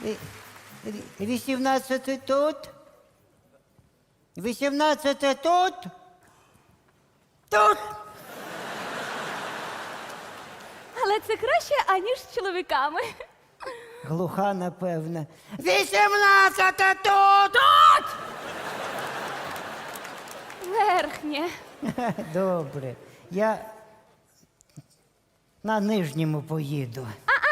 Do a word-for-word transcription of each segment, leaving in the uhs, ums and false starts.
Е, Вісімнадцяте тут. Вісімнадцяте тут. Тут. Але це краще, аніж з чоловіками. Глуха, напевно. Вісімнадцяте тут. Тут! Верхнє. Добре. Я на нижньому поїду.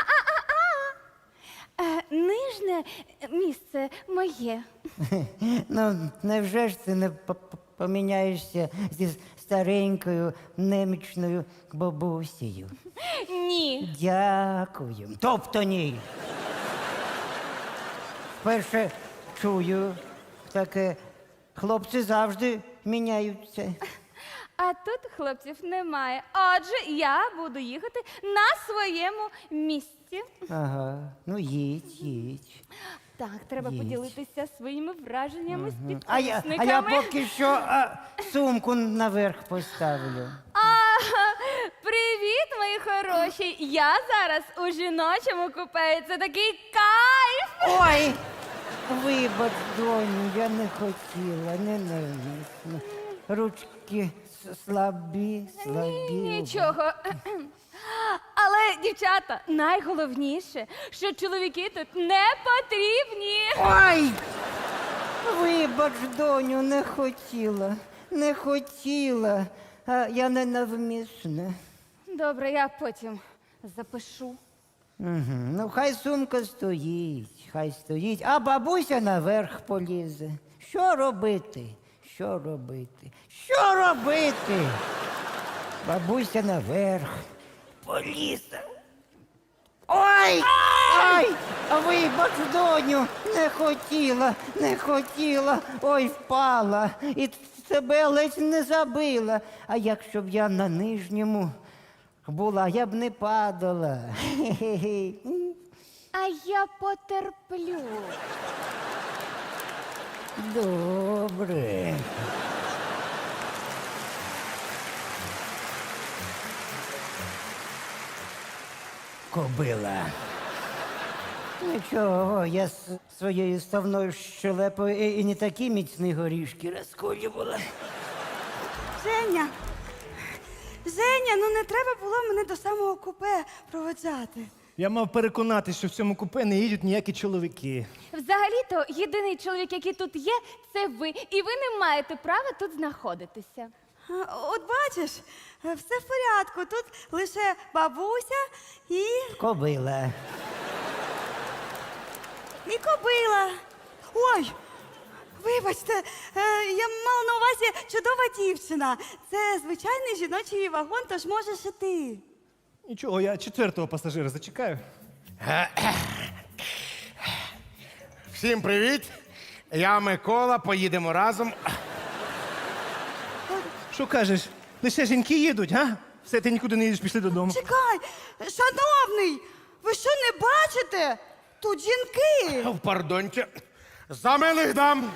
Е, нижнє місце моє. Ну, невже ж ти не по- по- поміняєшся зі старенькою немічною бабусею? Ні. Дякую. Тобто ні. Вперше чую таке. Хлопці завжди міняються. А тут хлопців немає. Отже, я буду їхати на своєму місці. Ага, ну їдь, їдь. Так, треба Їдь. поділитися своїми враженнями з А я, а підписниками. я поки що а, сумку наверх поставлю. А, привіт, мої хороші! Я зараз у жіночому купе. Це такий кайф! Ой! Вибач, доню, я не хотіла, ненависно. Ручки с- слабі, слабі. Нічого. Але, дівчата, найголовніше, що чоловіки тут не потрібні. Ой! Вибач, доню, не хотіла, не хотіла. А я ненавмисна. Добре, я потім запишу. Угу. Ну, хай сумка стоїть, хай стоїть, а бабуся наверх полізе. Що робити? Що робити? Що робити? Бабуся наверх полізе. Ой! Ой! Вибач, доню, не хотіла, не хотіла. Ой, впала. І тебе ледь не забила. А якщо б я на нижньому була, я б не падала. Хе-хе-хе. А я потерплю. Добре. Кобила. Нічого, я з своєю ставною щелепою і, і не такі міцні горішки розколювала. Женя, Женя, ну не треба було мене до самого купе проводжати. Я мав переконатися, що в цьому купе не їдуть ніякі чоловіки. Взагалі-то єдиний чоловік, який тут є, це ви. І ви не маєте права тут знаходитися. А, От бачиш, е, все в порядку. Тут лише бабуся і, Кобила. і кобила. Ой, вибачте, е, я мала на увазі чудова дівчина. Це звичайний жіночий вагон, тож можеш і ти. Нічого, я четвертого пасажира зачекаю. Всім привіт! Я Микола, поїдемо разом. Що кажеш? Лише жінки їдуть, га? Все, ти нікуди не їдеш, пішли додому. Чекай, шановний, ви що не бачите? Тут жінки. В пардонче. За милих дам.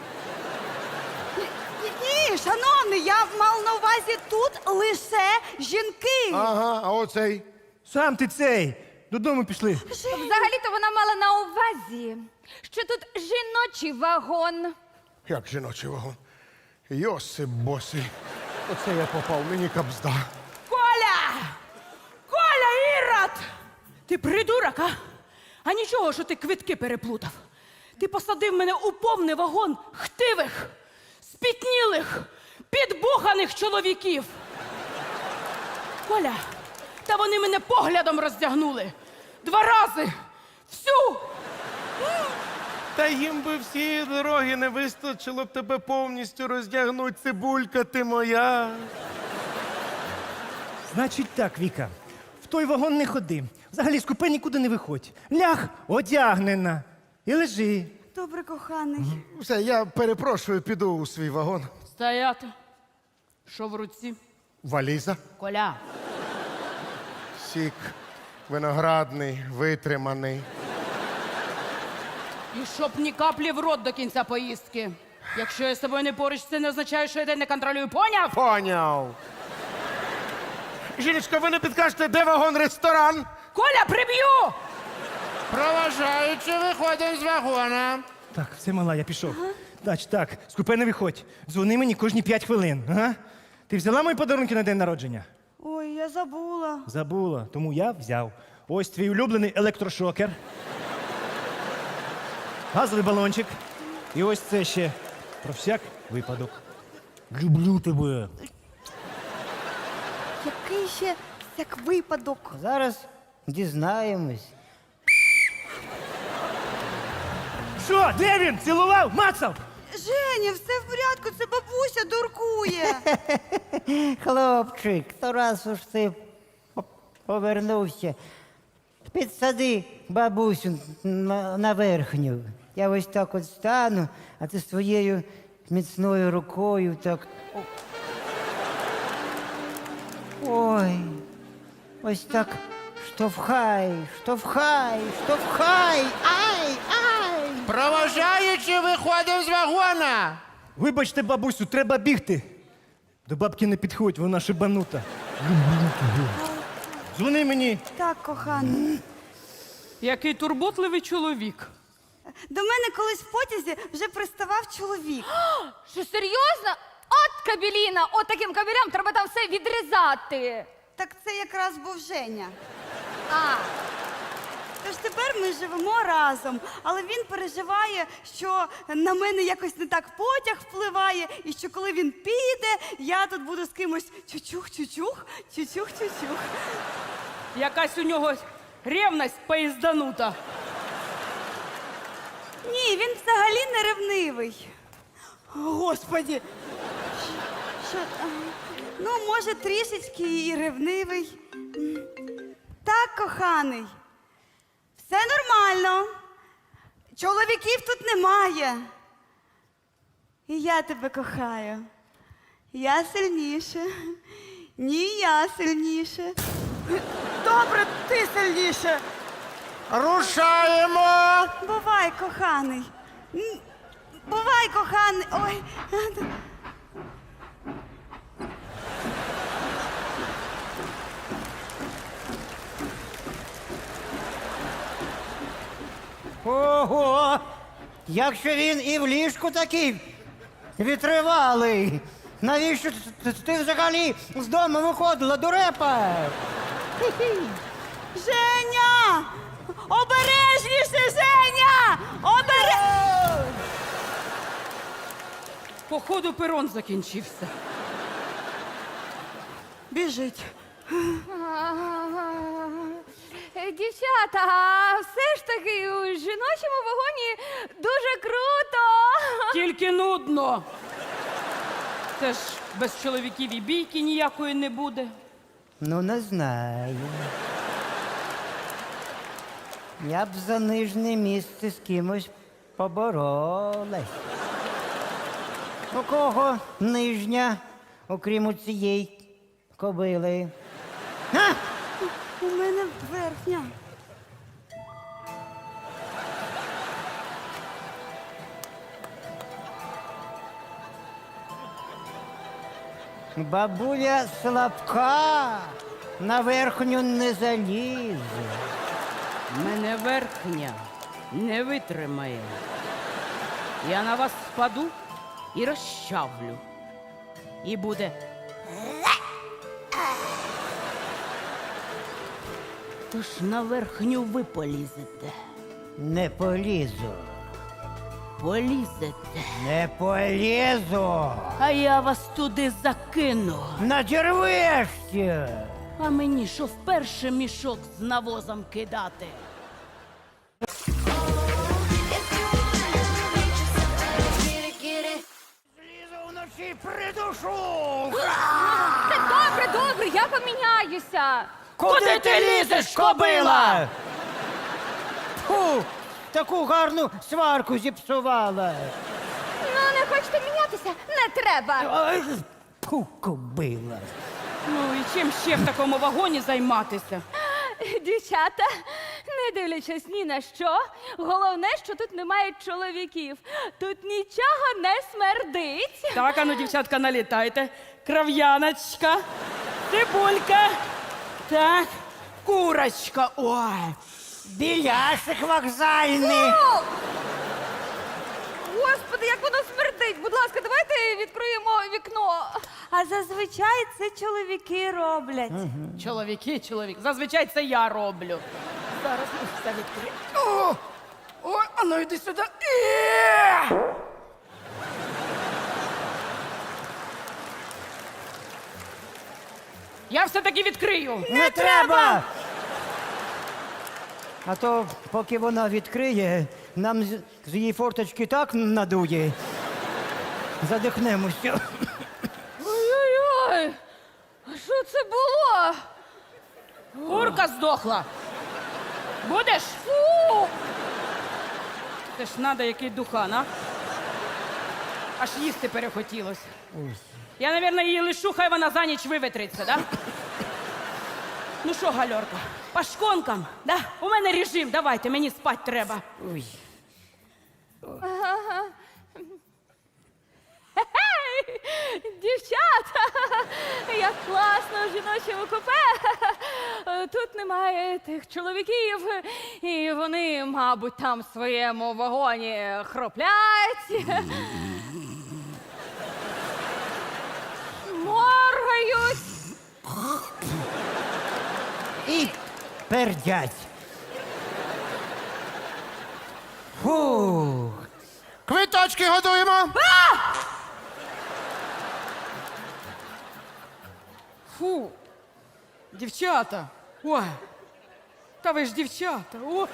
Ні, шановний, я мала на увазі тут лише жінки. Ага, а оцей. Сам ти цей. Додому пішли. Взагалі-то вона мала на увазі, що тут жіночий вагон. Як жіночий вагон. Йосип босий. Оце я попав, мені кабзда. Коля! Коля, Ірод! Ти придурок, а? А нічого, що ти квитки переплутав. Ти посадив мене у повний вагон хтивих, спітнілих, підбуханих чоловіків. Коля, та вони мене поглядом роздягнули. Два рази. Всю. Та їм би всі дороги не вистачило б тебе повністю роздягнуть, цибулька ти моя. Значить так, Віка. В той вагон не ходи. Взагалі з купе нікуди не виходь. Ляг одягнена. І лежи. Добре, коханий. Все, я перепрошую, піду у свій вагон. Стояти. Що в руці? Валіза. Коля. Сік виноградний, витриманий. І щоб ні каплі в рот до кінця поїздки. Якщо я з тобою не поруч, це не означає, що я тебе не контролюю. Поняв? Поняв. Жіночка, ви не підкажете, де вагон-ресторан? Коля, приб'ю! Проважаючи, виходимо з вагона. Так, все, мала, я пішов. Значить, так, з купе не виходь. Дзвони мені кожні п'ять хвилин. Ага? Ти взяла мої подарунки на день народження? Ой, я забула. Забула, тому я взяв. Ось твій улюблений електрошокер. Газовий балончик. І ось це ще про всяк випадок. Люблю тебе. Який ще як випадок? Зараз дізнаємось. Що, де він? Цілував? Мацав? Женя, все в порядку, це бабуся дуркує. Хлопчик, то раз уж ти по- повернувся, підсади бабусю на, на верхню. Я ось так от стану, а ти своєю міцною рукою так. о- Ой, ось так штовхай, штовхай, штовхай, ай, ай! Проважаючи, виходимо з вагона. Вибачте, бабусю, треба бігти. До бабки не підходь, вона шибанута. Люблю тебе. Дзвони мені. Так, коханий. Який турботливий чоловік. До мене колись в потязі вже приставав чоловік. Що серйозно? От кабеліна, от таким кабелям треба там все відрізати. Так це якраз був Женя. А, Тож тепер ми живемо разом, але він переживає, що на мене якось не так потяг впливає, і що коли він піде, я тут буду з кимось чучух-чучух, чучух-чучух. Якась у нього ревність поїзданута. Ні, він взагалі не ревнивий. Господі. Що? а, Ну, може, трішечки і ревнивий. М. Так, коханий. Все нормально. Чоловіків тут немає. І я тебе кохаю. Я сильніше. Ні, я сильніше. Добре, ти сильніше. Рушаємо. Бувай, коханий. М, Бувай, коханий. Ой. Ого! Якщо він і в ліжку такий витривалий, навіщо т- т- ти взагалі з дому виходила, дурепа? Хі-хі. Женя! Обережніше, Женя! Обере... Походу, перон закінчився. Біжить. Е, дівчата, а все ж таки у жіночому вагоні дуже круто. Тільки нудно. Це ж без чоловіків і бійки ніякої не буде. Ну, не знаю. Я б за нижнє місце з кимось поборолась. У кого нижня, окрім цієї кобили? Га? У мене верхня. Бабуля слабка, на верхню не залізе. Мене верхня не витримає. Я на вас впаду і розчавлю. І буде. Тож на верхню ви полізете. Не полізу, Полізете. не полізу. А я вас туди закину. Надірвешся. А мені що вперше мішок з навозом кидати? Лізу вночі придушу. Та добре, добре, я поміняюся. Куди ти лізеш, кобила? Фу, таку гарну сварку зіпсувала. Ну, не хочете мінятися? Не треба. Ай, фу, кобила. Ну і чим ще в такому вагоні займатися? Дівчата, не дивлячись ні на що, головне, що тут немає чоловіків. Тут нічого не смердить. Так, ану, дівчатка, налітайте. Крав'яночка, цибулька, так, курочка. Ой, Біляшик вокзальний. Господи, як воно смердить! Будь ласка, давайте відкриємо вікно. А зазвичай це чоловіки роблять. Чоловіки, чоловік. Зазвичай це я роблю. Зараз ми все відкриємо. О! О, а ну йди сюди. Е! Я все-таки відкрию. Не треба! А то, поки вона відкриє, нам з, з її форточки так надує. Задихнемося. Ой-ой-ой! А що це було? Курка здохла. Будеш? Фу! Це ж надо, який духан, а? Аж їсти перехотілося. Я, мабуть, її лишу, хай вона за ніч виветриться, да? Ну що, гальорка, по шконкам, да? У мене режим, давайте, мені спать треба. Ой. Хе-хей! Дівчата! Як класно в жіночому купе! Тут немає тих чоловіків, і вони, мабуть, там в своєму вагоні хроплять. Моргають. І пердять. Фух. Квиточки готуємо. Фу, дівчата, ой, та ви ж дівчата, о.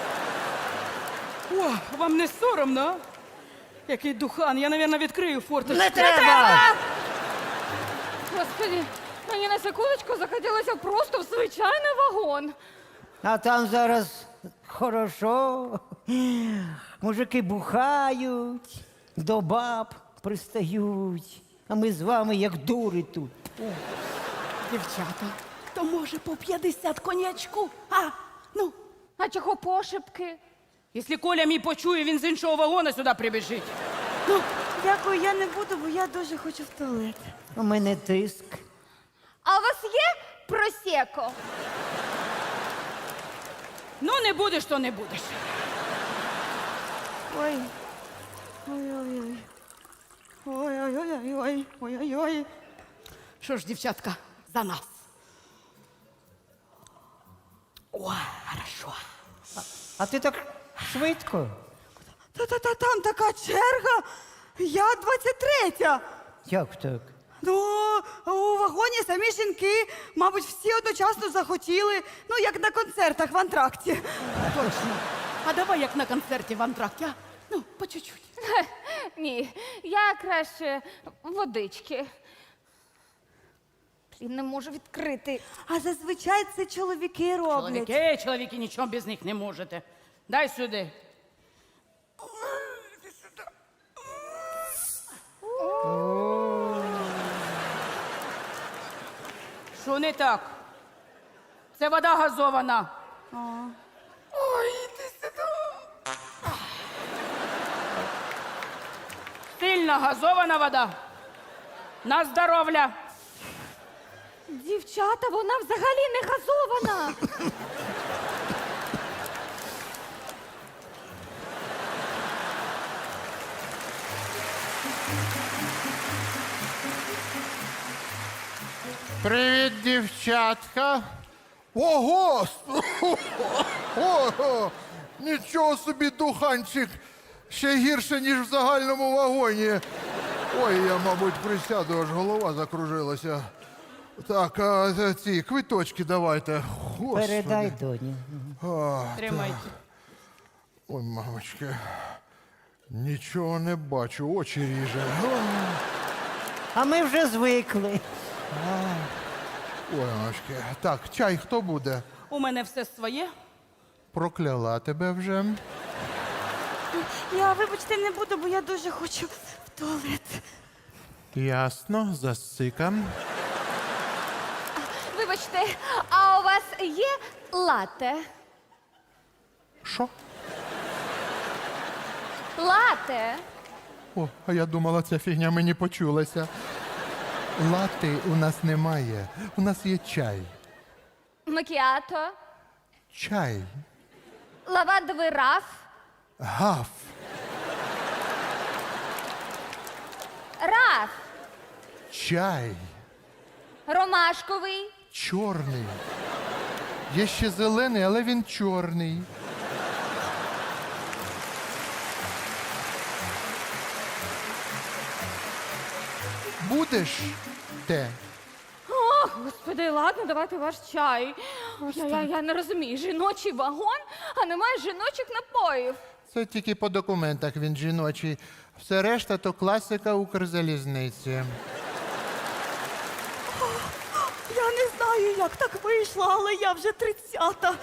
О, вам не соромно, а? Який духан, я, мабуть, відкрию форточку. Не треба! Господи, мені на секундочку захотілося просто в звичайний вагон. А там зараз хорошо. Мужики бухають, до баб пристають. А ми з вами як дури тут. Дівчата, то може по п'ятдесят конячку, а? Ну, А чого пошепки? якщо Коля мій почує, він з іншого вагона сюди прибіжить. Ну, дякую, я не буду, бо я дуже хочу в туалет. У мене тиск. А у вас є просеко? Ну, не будеш, то не будеш. Ой. Ой-ой-ой. Ой-ой-ой-ой. Ой-ой-ой. Що ж, дівчатка, за нас. Ой, хорошо. А ти так швидко? Та-та-та, там така черга. Я двадцять третя. Як так? Ну, у вагоні самі жінки, мабуть, всі одночасно захотіли, ну, як на концертах в антракті. Точно. А давай як на концерті в антракті, а? Ну, по чуть-чуть. Ні, я краще водички. Блін, не можу відкрити. А зазвичай це чоловіки роблять. Чоловіки, чоловіки, нічого без них не можете. Дай сюди. Що не так? Це вода газована. Ой, іди сюди. Сильно газована вода. На здоров'я. Дівчата, вона взагалі не газована. Привіт, дівчатка. Ого! Ого! Нічого собі, духанчик. Ще гірше, ніж в загальному вагоні. Ой, я, мабуть, присяду, аж голова закружилася. Так, а ці квиточки давайте. Господи. Передай доні. Тримайте. Ой, мамочки. Нічого не бачу, очі ріже. А ми вже звикли. Ой, мамочки. Так, чай хто буде? У мене все своє. Прокляла тебе вже. Я, вибачте, не буду, бо я дуже хочу в туалет. Ясно, засикам. Вибачте, а у вас є лате? Що? Лате? О, а я думала, ця фігня мені почулася. Лати у нас немає. У нас є чай. Макіато? Чай. Лавандовий раф. Гаф. Раф. Чай. Ромашковий. Чорний. Є ще зелений, але він чорний. Будеш те? О, господи, ладно, давайте ваш чай. Я, я, я не розумію, жіночий вагон, а немає жіночих напоїв. Це тільки по документах він жіночий. Все решта то класика Укрзалізниці. Я не знаю, як так вийшло, але я вже тридцята.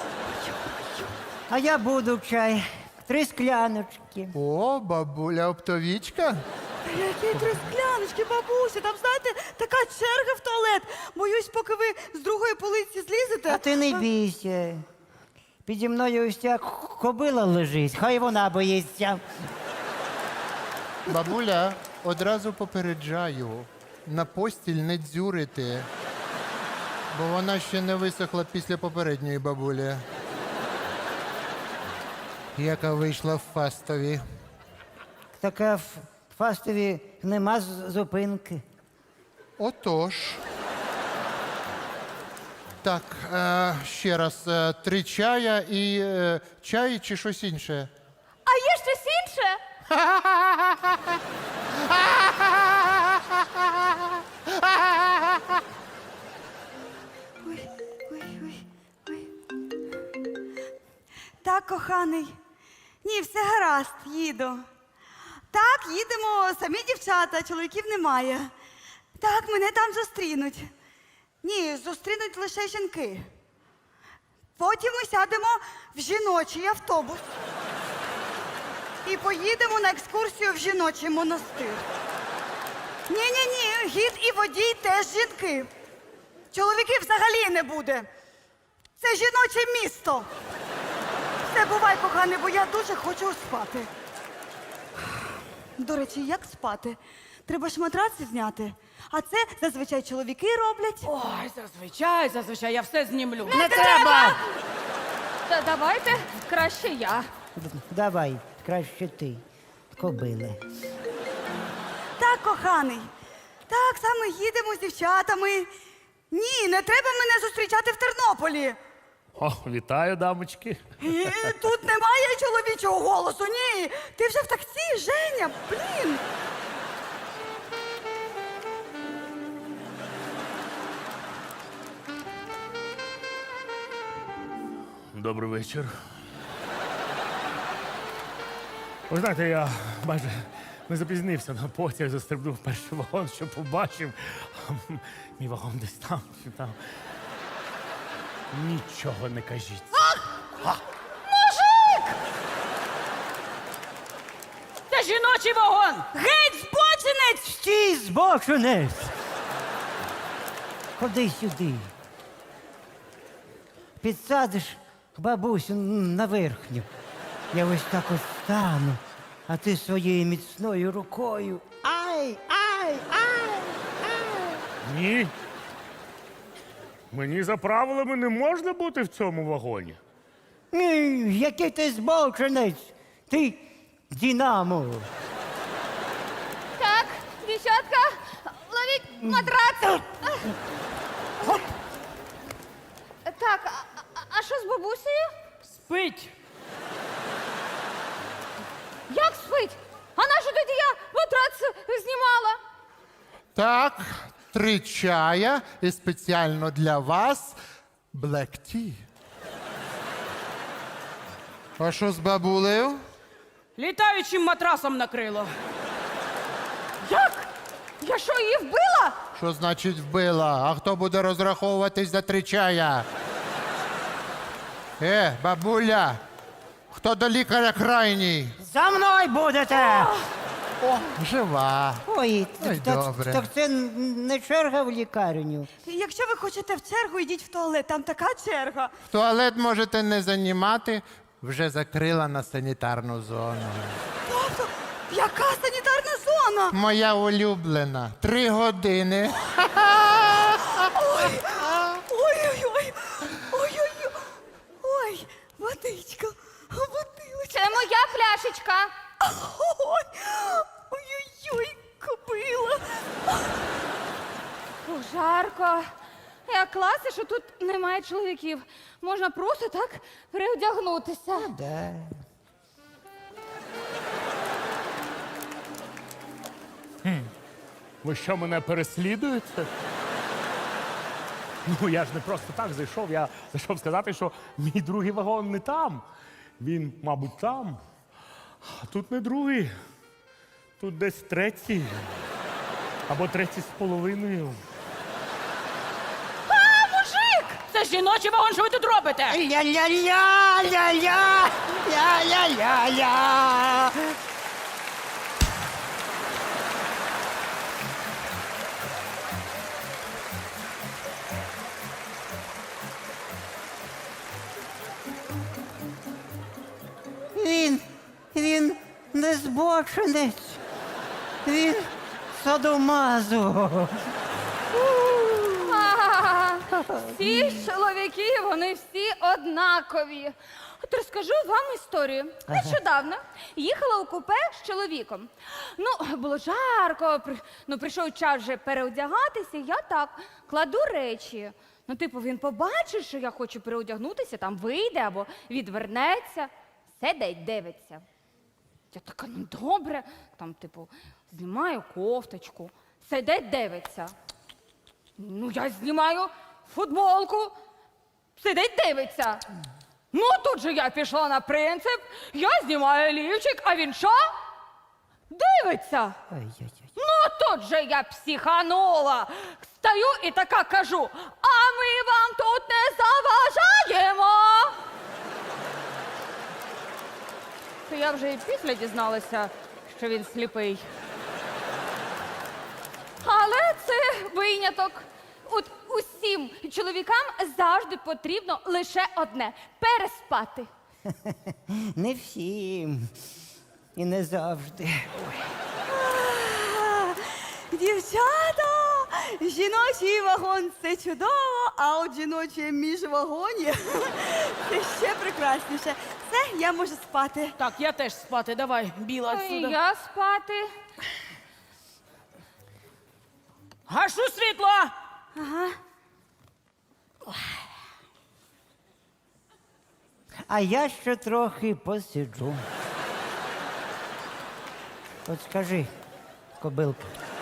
А я буду чай. Три скляночки. О, бабуля оптовічка. Які три скляночки, бабуся, там, знаєте, така черга в туалет. Боюсь, поки ви з другої полиці злізете. А ти не бійся. Піді мною ось ця кобила лежить, хай вона боїться. Бабуля, одразу попереджаю. На постіль не дзюрити. Бо вона ще не висохла після попередньої бабулі. Яка вийшла в фастові. Така в фастові нема з- зупинки. Отож. Так, е, ще раз, е, три чая і е, чай чи щось інше. А є щось інше? Ой, ой, ой, ой. Так, коханий. Ні, все гаразд, їду. Так, їдемо, самі дівчата, чоловіків немає. Так, мене там зустрінуть. Ні, зустрінуть лише жінки. Потім ми сядемо в жіночий автобус. І поїдемо на екскурсію в жіночий монастир. Ні-ні-ні, гід і водій теж жінки. Чоловіків взагалі не буде. Це жіноче місто. Все, бувай, коханий, бо я дуже хочу спати. До речі, як спати? Треба ж матраци зняти. А це зазвичай чоловіки роблять. Ой, зазвичай, зазвичай, я все знімлю. Не треба! Та давайте краще я. Давай, краще ти, кобиле. Так, коханий. Так, саме їдемо з дівчатами. Ні, не треба мене зустрічати в Тернополі. О, вітаю, дамочки. І тут немає чоловічого голосу. Ні. Ти вже в таксі, Женя. Блін. Добрий вечір. Ви знаєте, я майже не запізнився на потяг, застрибнув в перший вагон, що побачив. Мій вагон десь там, чи там. Нічого не кажіть. Це жіночий вагон! Геть, збочинець! Стій, збочинець! Ходи сюди. Підсадиш бабусю на верхню. Я ось так ось стану, а ти своєю міцною рукою. Ай, ай, ай, ай. Ні. Мені за правилами не можна бути в цьому вагоні. Ні, який ти збочинець! Ти Дінамо! Так, дівчатка, ловіть матрац. Так, а, а- а що з бабусею? Спить. Як спить? А на що тоді я матрац знімала? Так, три чая і спеціально для вас Black Tea. А що з бабулею? Літаючим матрасом накрило. Як? Я що, її вбила? Що значить вбила? А хто буде розраховуватись за три чая? Е, бабуля, хто до лікаря крайній? За мною будете! О, жива. Ой, Ой, так, добре. так це не черга в лікарню. Якщо ви хочете в чергу, йдіть в туалет, там така черга. Туалет можете не займати, вже закрила на санітарну зону. Тобто, яка санітарна зона? Моя улюблена. Три години. Ой-ой-ой. Ой-ой-ой. Ой, водичка. цікаво. Як класно, що тут немає чоловіків. Можна просто так переодягнутися. Да. Ви що, мене переслідуєте? Ну, я ж не просто так зайшов. Я зайшов сказати, що мій другий вагон не там. Він, мабуть, там. А тут не другий. Тут десь третій. Або третій з половиною. Це жіночий вагон, що ви тут робите? Ля-ля-ля, ля-ля, ля-ля-ля-ля. Він, він не збочинець. Він садомазо. А, Всі чоловіки, вони всі однакові. От розкажу вам історію. Нещодавно їхала у купе з чоловіком. Ну, було жарко, при- ну, прийшов час вже переодягатися, я так кладу речі. Ну, типу, він побачить, що я хочу переодягнутися, там вийде або відвернеться, сидить, дивиться. Я така, ну добре, там, типу, знімаю кофточку, сидить, дивиться. Ну, я знімаю футболку, сидить, дивиться. Ну, тут же я пішла на принцип, я знімаю лівчик, а він що? Дивиться. Ой-ой-ой. Ну, тут же я психанула. Стою і така кажу, а ми вам тут не заважаємо. То я вже і після дізналася, що він сліпий. Але це виняток. От усім чоловікам завжди потрібно лише одне – переспати. Не всім. І не завжди. Дівчата, жіночий вагон це чудово, а от жіноче міжвагоні це ще прекрасніше. Все, я можу спати. Так, я теж спати, давай, біла І отсюда. я спати. Гашу світло! А я ще трохи посиджу. От скажи, кобилка,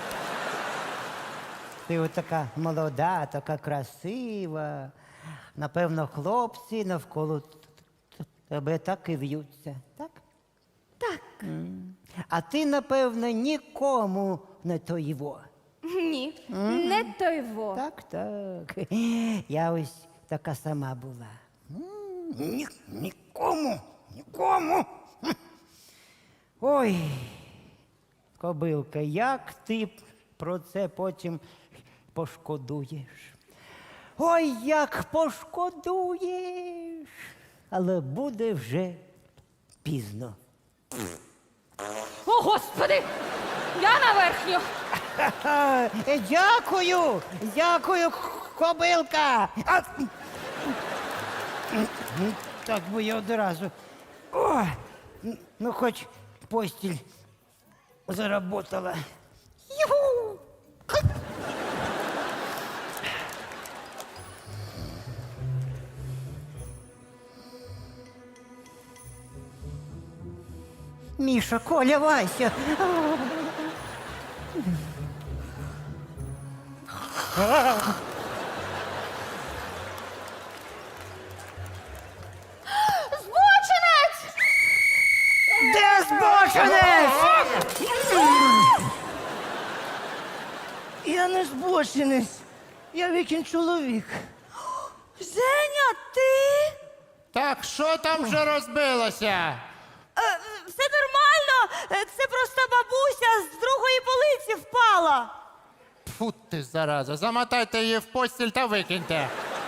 ти от така молода, така красива. Напевно, хлопці навколо т- т- тебе так і в'ються, так? Так. М. А ти, напевно, нікому не тоїво. Ні, не той во. Так, так. Я ось така сама була. М, Ні, нікому, нікому. Хм. Ой, кобилка, як ти про це потім пошкодуєш? Ой, як пошкодуєш. Але буде вже пізно. О, Господи! Я на верхню. Ха, е, Дякую, дякую, к- кобилка. А, так би я одразу. О, ну, хоч постіль заработала. Юху! Міша, Коля, Вася. Збочинець! Де збочинець? Я не збочинець. Я Вікін чоловік. Женя, ти? Так, що там вже розбилося? Е, все нормально. Е, Це просто бабуся з другої полиці впала. Фу ти, зараза, замотайте її в постіль та викиньте.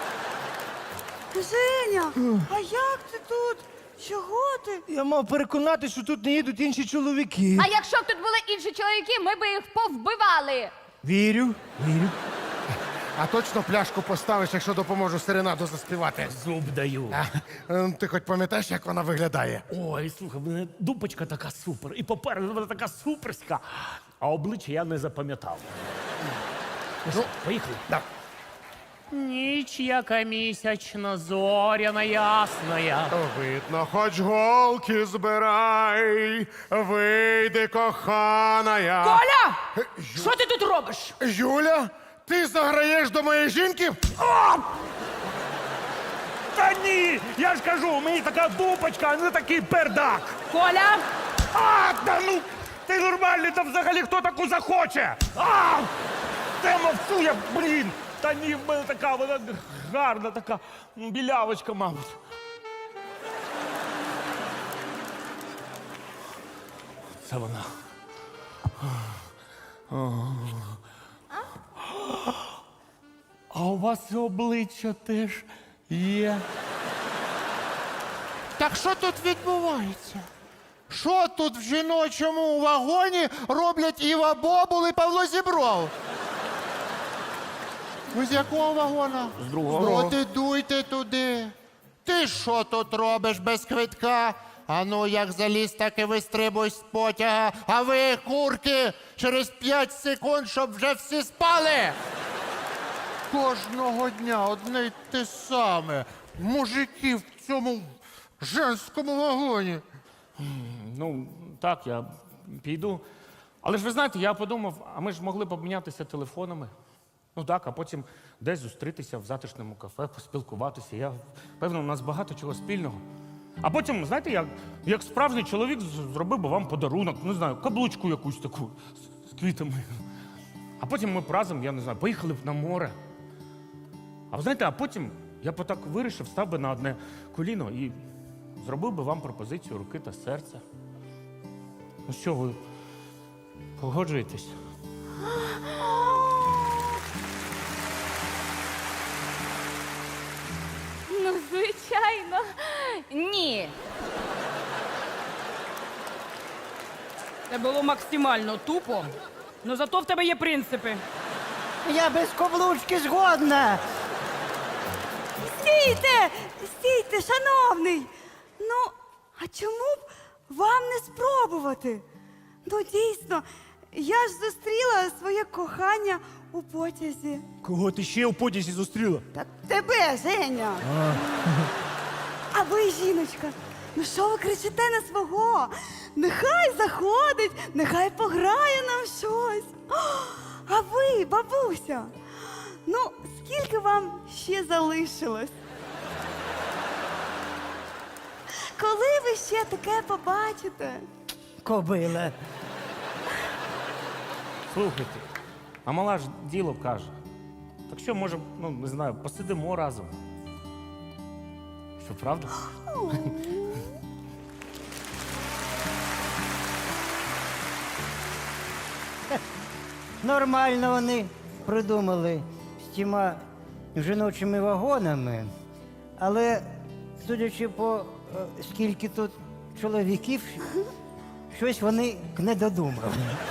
Женя, а як ти тут? Чого ти? Я мав переконати, що тут не їдуть інші чоловіки. А якщо б тут були інші чоловіки, ми б їх повбивали. Вірю, вірю. А точно пляшку поставиш, якщо допоможу серенаду заспівати. Зуб даю. Ем, Ти хоч пам'ятаєш, як вона виглядає? Ой, слухай, в мене дупочка така супер, і попереду вона така суперська, а обличчя я не запам'ятав. Ну, що, поїхали? Да. Ніч, яка місячно, зоряна ясная. Видно, хоч голки збирай, вийди, коханая. Коля! Що ти тут робиш? Юля, ти заграєш до моєї жінки? Та ні! Я ж кажу, мені така дупочка, а не такий пердак. Коля! А, та ну, ти нормальний, та взагалі хто таку захоче? А! Та мовчу я, блін! Та ні, в мене така, вона гарна така м, білявочка, мабуть. Це вона. А у вас і обличчя теж є. Так що тут відбувається? Що тут в жіночому вагоні роблять Іва Бобул і Павло Зібров? Ви з якого вагона? З другого. От і дуйте туди. Ти що тут робиш без квитка? А ну, як заліз, так і вистрибуй з потяга. А ви, курки, через п'ять секунд, щоб вже всі спали. Кожного дня одне й те саме. Мужики в цьому женському вагоні. Ну, так, я піду. Але ж ви знаєте, я подумав, а ми ж могли б обмінятися телефонами. Ну так, а потім десь зустрітися в затишному кафе, поспілкуватися. Я певно, у нас багато чого спільного. А потім, знаєте, як, як справжній чоловік з- зробив би вам подарунок, не знаю, каблучку якусь таку з, з квітами. А потім ми б разом, я не знаю, поїхали б на море. А ви знаєте, а потім я б так вирішив, став би на одне коліно і зробив би вам пропозицію руки та серця. Ну що, ви погоджуєтесь? Ну, звичайно, ні. Це було максимально тупо, але зато в тебе є принципи. Я без каблучки згодна. Стійте! Стійте, шановний! Ну, а чому б вам не спробувати? Ну, дійсно, я ж зустріла своє кохання у потязі. Кого ти ще у потязі зустріла? Та тебе, Женя! А ви, жіночка, ну що ви кричите на свого? Нехай заходить, нехай пограє нам щось. А ви, бабуся, ну скільки вам ще залишилось? Коли ви ще таке побачите? Кобила. Слухайте, а мала ж діло каже. Так що, може, ну, не знаю, посидимо разом. Що, правда? Нормально вони придумали з тіма жіночими вагонами, але судячи по е, скільки тут чоловіків, щось вони не додумали.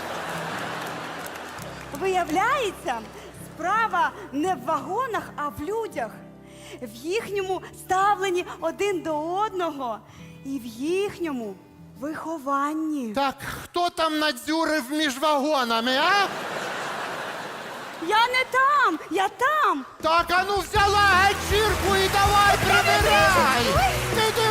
Виявляється, справа не в вагонах, а в людях. В їхньому ставленні один до одного і в їхньому вихованні. Так хто там надзюрив між вагонами, а? Я не там, я там. Так, а ну взяла ганчірку і давай прибирай! Ти